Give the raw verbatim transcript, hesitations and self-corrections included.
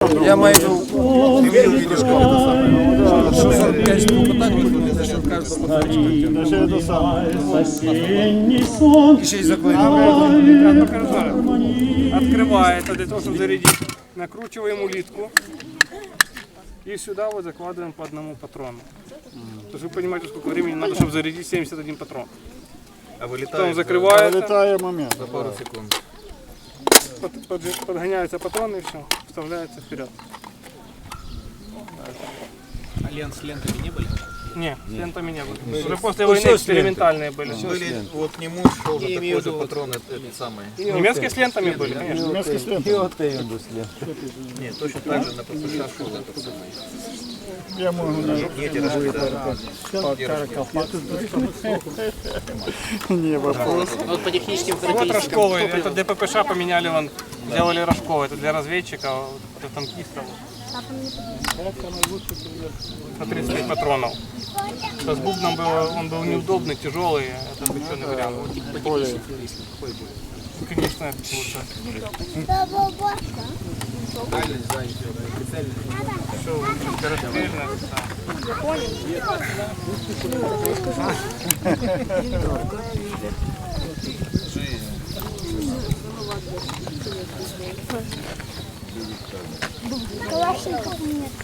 Я маю дві іграшки. Що сорок п'ять штук отак виходить, що кажуть, що і ще й заклеєно. Открывается для того, чтобы зарядить. Накручиваем улитку. И сюда вот закладываем по одному патрону. То есть вы понимаете, сколько времени надо, чтобы зарядить семьдесят один патрон. А вылетает, Потом закрывается, Вилітає момент. за пару секунд. под- под- подгоняется патрон и все, вставляется вперед. А лент с лентами не были? Не, с лентами не было. Уже после войны экспериментальные были. Были, вот к нему шел же такой же патрон, это, это самый. Немецкие с лентами были, конечно. Німецький слід. Нет, точно так же на ППШ шел этот самый. Я можу не... Не эти рожки, да. Не вопрос. Вот по техническим Вот характеристикам. рожковые, это для ППШ поменяли, вон, сделали рожковые, это для разведчика, для танкистов. На тридцать пять патронов. С бубном было, он был неудобный, тяжелый, это обычный вариант. Конечно, это лучше. Все лучше, скорострельность. Калашников нет.